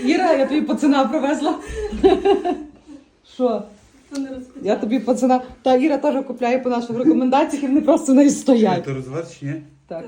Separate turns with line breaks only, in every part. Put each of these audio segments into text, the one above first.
Іра, я тобі пацана привезла. Що? Я тобі пацана. Та Іра теж купляє по наших рекомендаціях, і вони просто в неї стоять.
Ти розвариш чи ні?
Так,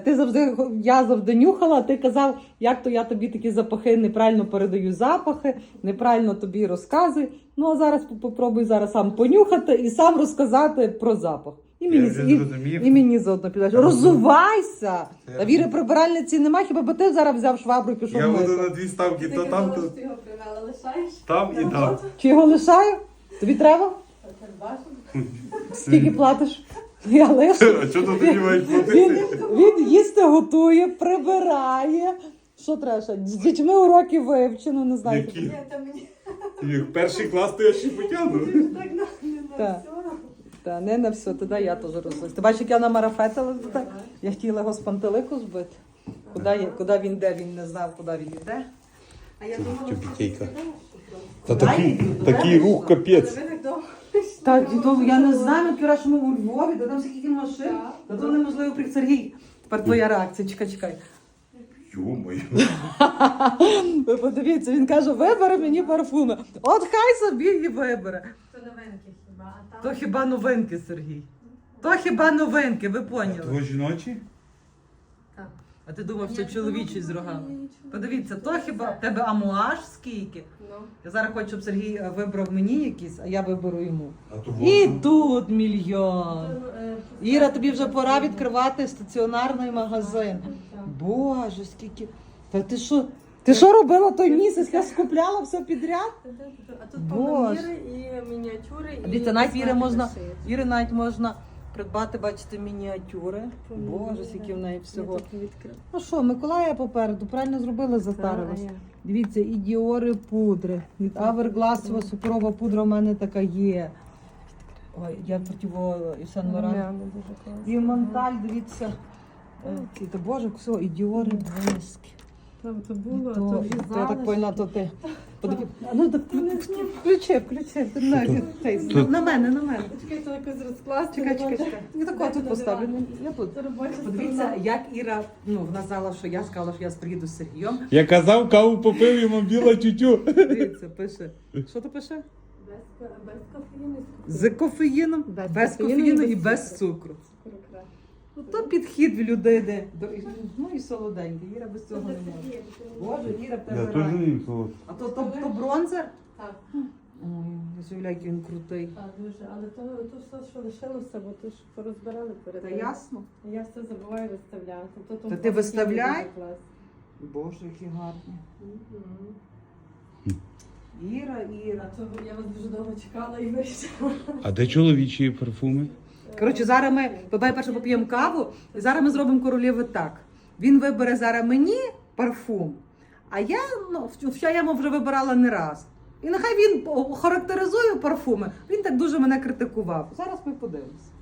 я завжди нюхала, ти казав, як то я тобі такі запахи неправильно передаю запахи, неправильно тобі розказую. Ну а зараз попробуй зараз сам понюхати і сам розказати про запах. І мені заодно підеш. Розувайся! Та Віри прибиральниці нема, хіба бо ти зараз взяв швабру і пішов
Я
мити.
буду на 2 ставки, то там, то
ти його привела, лишаєш?
там і там.
Чи його лишаю? Тобі треба? Скільки платиш? Я лишу.
А чого тут тоді мають
Він,
платити?
він їсти готує, прибирає. Що треба ще? З дітьми уроки вивчено, не знаю.
Які?
Ні, та мені
Як перший клас, то я ще потягну.
так не
Так.
все.
Та не на все, тоді я теж розлась. Ти бачиш, як я намарафетила? Я хотіла його з пантелику збити. Куди він йде, він не знав, куди він йде.
А я думала,
Тюбітейка.
Та такий
рух капець.
ви так довго
Так, я не знаю, вчора, що ми у Львові, де там скільки машин. Та то неможливо при Сергій. Тепер твоя реакція, чекай.
Йо-моє.
Ви подивіться, він каже, вибери мені парфуми. От хай собі і вибере.
то новинки хіба, а там...
То хіба новинки, Сергій? То хіба новинки, ви поняли?
Твої жіночі?
Так.
А ти думав, що
Ні,
чоловічий з
ні,
рогами?
ні,
Подивіться, то хіба в тебе амуаж скільки?
Ну.
Я зараз хочу, щоб Сергій вибрав мені якісь, а я виберу йому.
А то
І
вот.
тут мільйон.
То,
Іра, тобі вже пора відкривати стаціонарний магазин.
Так.
Боже, скільки. Та ти що? Ти що робила той місяць? Я скупляла все підряд?
А тут
Боже.
поміри і мініатюри, і...
Дивіться, навіть Іри можна,
шиють.
Іри навіть можна придбати, бачите, мініатюри. Боже, скільки в неї всього.
Я так відкрила.
Ну що, Миколая попереду, правильно зробили, затарилась. Дивіться, і діори пудри. Від Hourglass суперова пудра в мене така є. Ой, я противо і Сен Лоран. І Монталь, дивіться. Та Боже, все, і діори блиски.
Там то було,
То,
то
я так поняла, то ти. Подивіться. Ну, так включи. На мене.
Чекай, то якось розкласти.
Чекай. Я тако тут поставлю. Я тут.
Це робоча
Подивіться,
сторона.
як Іра, вона сказала, що я приїду з Сергієм.
Я казав, каву попив, йому біла тютю.
Дивіться, пише. Що то пише?
Без кофеїну.
З кофеїном, без кофеїну і без цукру. Ну, то підхід в людини. Ну і солоденький. Іра без цього не може. Боже, Іра в
Я
тебе
теж
рай.
їм солод.
А то бронзер?
Так,
Ой, я заявляю, який він крутий.
так, дуже. Але то все, що лишилося, бо то ж порозбирали перед
Та
тим.
ясно.
Я все забуваю виставляти.
Та ти виставляй? Боже, які гарні. Іра.
А то я вас дуже довго чекала і вирішила.
А де чоловічі парфуми?
Коротше, зараз ми перше поп'ємо каву, і зараз ми зробимо королєви так. Він вибере зараз мені парфум, а я, я йому вже вибирала не раз. І нехай він характеризує парфуми. Він так дуже мене критикував. Зараз ми подивимося.